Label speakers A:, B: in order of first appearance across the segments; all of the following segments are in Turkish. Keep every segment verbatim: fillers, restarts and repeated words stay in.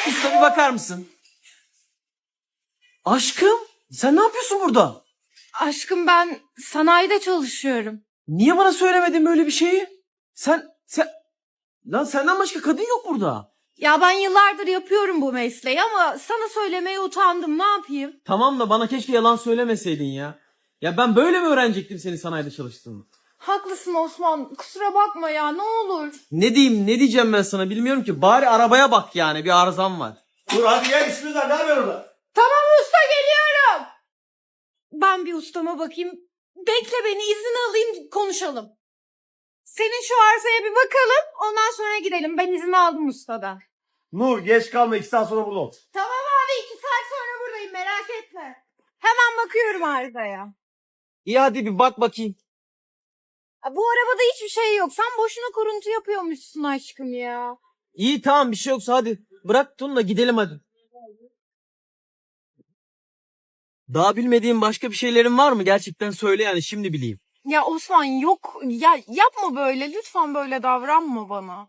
A: Usta bir bakar mısın? Aşkım sen ne yapıyorsun burada?
B: Aşkım ben sanayide çalışıyorum.
A: Niye bana söylemedin böyle bir şeyi? Sen sen lan senden başka kadın yok burada.
B: Ya ben yıllardır yapıyorum bu mesleği ama sana söylemeye utandım, ne yapayım?
A: Tamam da bana keşke yalan söylemeseydin ya. Ya ben böyle mi öğrenecektim senin sanayide çalıştığını?
B: Haklısın Osman, kusura bakma ya, ne olur.
A: Ne diyeyim ne diyeceğim ben sana bilmiyorum ki. Bari arabaya bak yani bir arızam var.
C: Dur hadi gel işimiz var, ne yapıyorsun orada?
B: Tamam usta, geliyorum. Ben bir ustama bakayım. Bekle beni, izin alayım, konuşalım. Senin şu arsaya bir bakalım, ondan sonra gidelim. Ben izin aldım ustadan.
C: Nur geç kalma, iki saat sonra burada ol.
B: Tamam abi, iki saat sonra buradayım, merak etme. Hemen bakıyorum arsaya.
A: İyi hadi bir bak bakayım.
B: Bu arabada hiçbir şey yok. Sen boşuna kuruntu yapıyormuşsun aşkım ya.
A: İyi tamam bir şey yoksa hadi. Bırak Tunla gidelim hadi. Daha bilmediğin başka bir şeylerin var mı? Gerçekten söyle yani şimdi bileyim.
B: Ya Osman yok. Ya yapma böyle. Lütfen böyle davranma bana.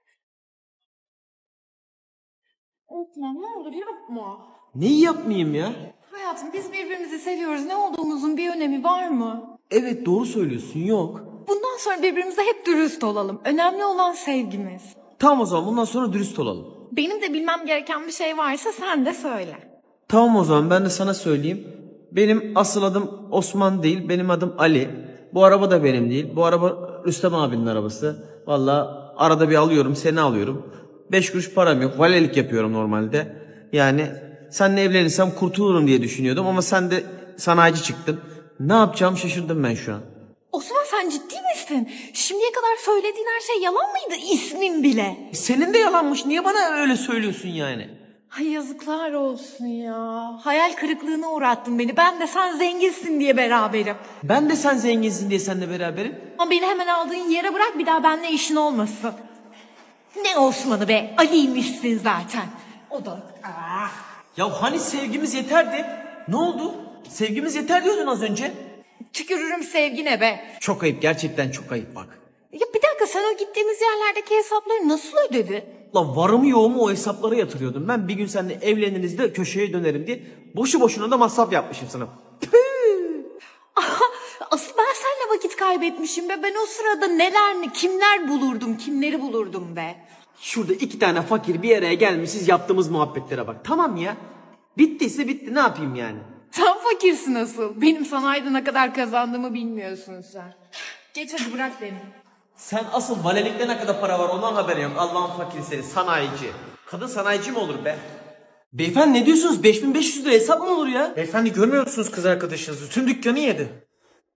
B: Osman ne olur yapma.
A: Neyi yapmayayım ya?
B: Hayatım biz birbirimizi seviyoruz. Ne olduğumuzun bir önemi var mı?
A: Evet doğru söylüyorsun yok.
B: Bundan sonra birbirimize hep dürüst olalım. Önemli olan sevgimiz.
A: Tamam o zaman bundan sonra dürüst olalım.
B: Benim de bilmem gereken bir şey varsa sen de söyle.
A: Tamam o zaman ben de sana söyleyeyim. Benim asıl adım Osman değil, benim adım Ali. Bu araba da benim değil. Bu araba Rüstem abinin arabası. Valla arada bir alıyorum, seni alıyorum. Beş kuruş param yok. Valelik yapıyorum normalde. Yani seninle evlenirsem kurtulurum diye düşünüyordum ama sen de sanayici çıktın. Ne yapacağımı şaşırdım ben şu an.
B: Osman sen ciddi misin? Şimdiye kadar söylediğin her şey yalan mıydı? İsmin bile.
A: Senin de yalanmış. Niye bana öyle söylüyorsun yani?
B: Ay yazıklar olsun ya. Hayal kırıklığına uğrattın beni. Ben de sen zenginsin diye beraberim.
A: Ben de sen zenginsin diye seninle beraberim.
B: Ama beni hemen aldığın yere bırak, bir daha benimle işin olmasın. Ne Osman'ı be? Ali'ymişsin zaten. O da... Ah.
A: Ya hani sevgimiz yeterdi? Ne oldu? Sevgimiz yeter diyordun az önce.
B: Tükürürüm sevgine be.
A: Çok ayıp gerçekten çok ayıp bak.
B: Ya bir dakika, sen o gittiğimiz yerlerdeki hesapları nasıl ödedin?
A: Lan varımı yoğumu o hesaplara yatırıyordum. Ben bir gün seninle evleniriz de köşeye dönerim diye boşu boşuna da masraf yapmışım sana.
B: Aha, asıl ben seninle vakit kaybetmişim be. Ben o sırada neler, kimler bulurdum, kimleri bulurdum be.
A: Şurada iki tane fakir bir araya gelmişiz yaptığımız muhabbetlere bak. Tamam ya. Bittiyse bitti ne yapayım yani.
B: Sen fakirsin asıl. Benim sanayide ne kadar kazandığımı bilmiyorsun sen. Geç hadi, bırak beni.
A: Sen asıl valelikte ne kadar para var ondan haberin yok. Allah'ın fakiri seni sanayici. Kadın sanayici mi olur be? Beyefendi ne diyorsunuz? beş bin beş yüz lira hesap mı olur ya?
C: Beyefendi görmüyor musunuz kız arkadaşınızı? Tüm dükkanı yedi.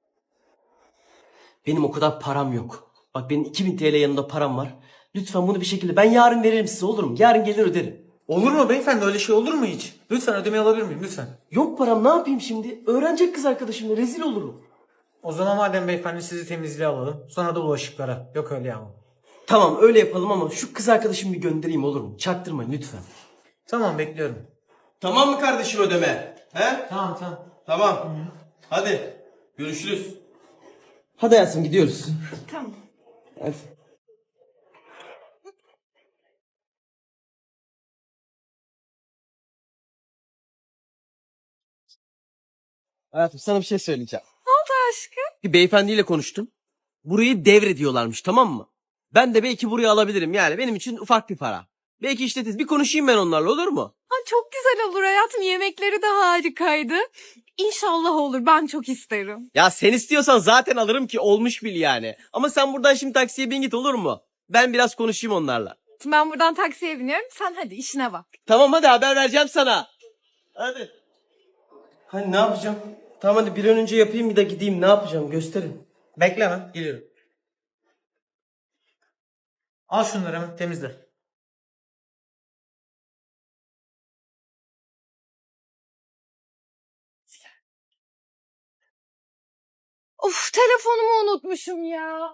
D: Benim o kadar param yok. Bak benim iki bin T L yanında param var. Lütfen bunu bir şekilde ben yarın veririm size, olur mu? Yarın gelir öderim.
C: Olur mu beyefendi, öyle şey olur mu hiç? Lütfen ödemeyi alabilir miyim lütfen?
D: Yok param, ne yapayım şimdi? Öğrenecek kız arkadaşımla rezil olurum.
C: O zaman madem beyefendi sizi temizliğe alalım. Sonra da bulaşıklara. Yok öyle ya.
D: Tamam öyle yapalım ama şu kız arkadaşımı bir göndereyim, olur mu? Çaktırmayın lütfen.
C: Tamam bekliyorum.
E: Tamam mı kardeşim ödeme? He?
C: Tamam tamam.
E: Tamam. Hadi. Görüşürüz.
A: Hadi hayatım gidiyoruz.
B: Tamam.
A: Hadi. Hayatım sana bir şey söyleyeceğim.
B: Ne oldu aşkım?
A: Bir beyefendiyle konuştum. Burayı devrediyorlarmış tamam mı? Ben de belki burayı alabilirim yani benim için ufak bir para. Belki işletiriz. Bir konuşayım ben onlarla olur mu?
B: Ha, çok güzel olur hayatım. Yemekleri de harikaydı. İnşallah olur. Ben çok isterim.
A: Ya sen istiyorsan zaten alırım ki olmuş bil yani. Ama sen buradan şimdi taksiye bin git olur mu? Ben biraz konuşayım onlarla.
B: Ben buradan taksiye biniyorum. Sen hadi işine bak.
A: Tamam hadi haber vereceğim sana.
D: Hadi. Hani ne yapacağım? Tamam hadi bir an önce yapayım bir de gideyim, ne yapacağım gösterin.
C: Bekle hemen geliyorum. Al şunları hemen temizle.
B: Of, telefonumu unutmuşum ya.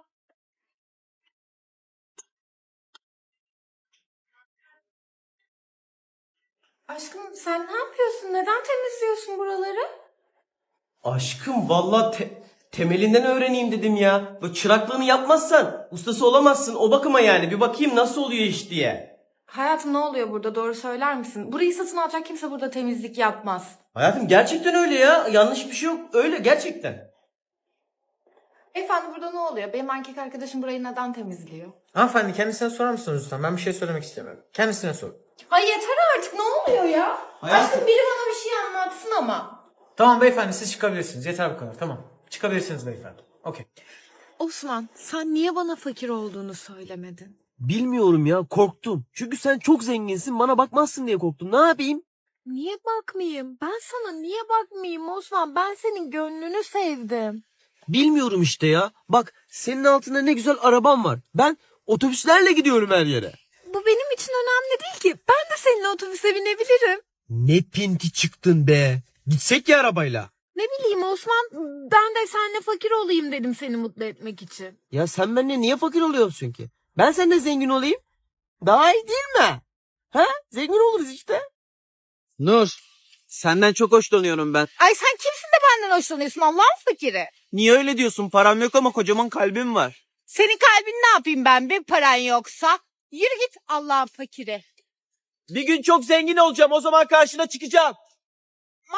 B: Aşkım sen ne yapıyorsun? Neden temizliyorsun buraları?
D: Aşkım vallahi te- temelinden öğreneyim dedim ya. Bu çıraklığını yapmazsan ustası olamazsın, o bakıma yani. Bir bakayım nasıl oluyor iş diye.
B: Hayatım ne oluyor burada, doğru söyler misin? Burayı satın alacak kimse burada temizlik yapmaz.
D: Hayatım gerçekten öyle ya. Yanlış bir şey yok. Öyle gerçekten.
B: Efendim burada ne oluyor? Benim erkek arkadaşım burayı neden temizliyor?
C: Hanımefendi kendisine sorar mısınız lütfen? Ben bir şey söylemek istemiyorum. Kendisine sor.
B: Ay yeter artık, ne oluyor ya?
E: Hayatım.
B: Aşkım biri bana bir şey anlatsın ama.
C: Tamam beyefendi siz çıkabilirsiniz. Yeter bu kadar. Tamam. Çıkabilirsiniz beyefendi. Okey.
B: Osman, sen niye bana fakir olduğunu söylemedin?
D: Bilmiyorum ya, korktum. Çünkü sen çok zenginsin, bana bakmazsın diye korktum. Ne yapayım?
B: Niye bakmayayım? Ben sana niye bakmayayım Osman? Ben senin gönlünü sevdim.
D: Bilmiyorum işte ya. Bak, senin altında ne güzel araban var. Ben otobüslerle gidiyorum her yere.
B: Bu benim için önemli değil ki. Ben de seninle otobüse binebilirim.
D: Ne pinti çıktın be. Gitsek ya arabayla.
B: Ne bileyim Osman, ben de seninle fakir olayım dedim seni mutlu etmek için.
D: Ya sen benimle niye fakir oluyorsun ki? Ben seninle zengin olayım. Daha iyi değil mi? Ha? Zengin oluruz işte.
A: Nur, senden çok hoşlanıyorum ben.
B: Ay sen kimsin de benden hoşlanıyorsun Allah'ın fakiri?
A: Niye öyle diyorsun? Param yok ama kocaman kalbim var.
B: Senin kalbin ne yapayım ben bir paran yoksa? Yürü git Allah'ın fakiri.
A: Bir gün çok zengin olacağım, o zaman karşına çıkacağım.
B: Ma?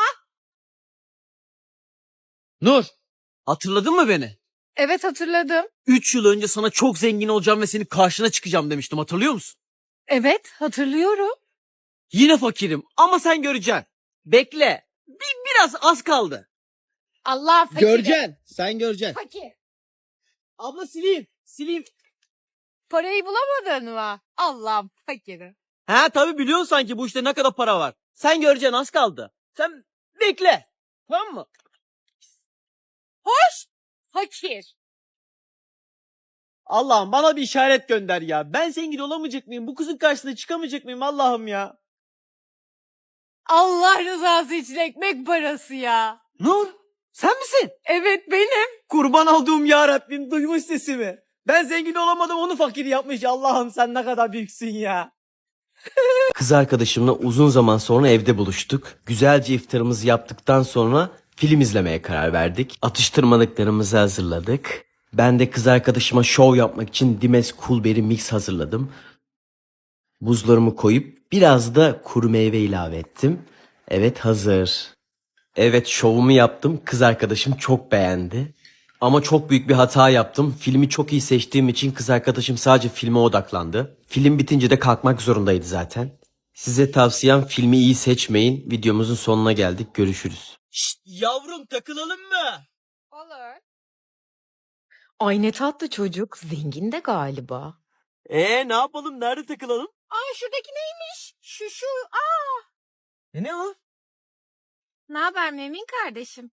A: Nur, hatırladın mı beni?
B: Evet hatırladım.
A: Üç yıl önce sana çok zengin olacağım ve senin karşına çıkacağım demiştim, hatırlıyor musun?
B: Evet hatırlıyorum.
A: Yine fakirim ama sen göreceksin. Bekle. Bir, biraz az kaldı.
B: Allah'ın fakiri.
A: Sen göreceksin.
B: Fakir.
A: Abla sileyim. Sileyim.
B: Parayı bulamadın mı? Allah'ın fakiri.
A: Ha tabii biliyorsun sanki bu işte ne kadar para var. Sen göreceksin, az kaldı. Sen bekle. Tamam mı?
B: Hoş. Fakir.
A: Allah'ım bana bir işaret gönder ya. Ben zengin olamayacak mıyım? Bu kızın karşısına çıkamayacak mıyım Allah'ım ya?
B: Allah rızası için ekmek parası ya.
A: Nur, sen misin?
B: Evet benim.
A: Kurban olduğum ya Rabbim, duymuş sesimi. Ben zengin olamadım, onu fakir yapmış. Allah'ım sen ne kadar büyüksün ya.
D: Kız arkadaşımla uzun zaman sonra evde buluştuk. Güzelce iftarımızı yaptıktan sonra film izlemeye karar verdik. Atıştırmalıklarımızı hazırladık. Ben de kız arkadaşıma şov yapmak için Dimes Coolberry Mix hazırladım. Buzlarımı koyup biraz da kuru meyve ilave ettim. Evet, hazır. Evet, şovumu yaptım. Kız arkadaşım çok beğendi. Ama çok büyük bir hata yaptım. Filmi çok iyi seçtiğim için kız arkadaşım sadece filme odaklandı. Film bitince de kalkmak zorundaydı zaten. Size tavsiyem filmi iyi seçmeyin. Videomuzun sonuna geldik. Görüşürüz.
A: Şşt yavrum, takılalım mı?
B: Olur. Ay ne tatlı çocuk. Zengin de galiba.
A: Ee ne yapalım, nerede takılalım?
B: Aa şuradaki neymiş? Şu şu. Aa.
A: E ne o?
B: Ne haber Memin kardeşim?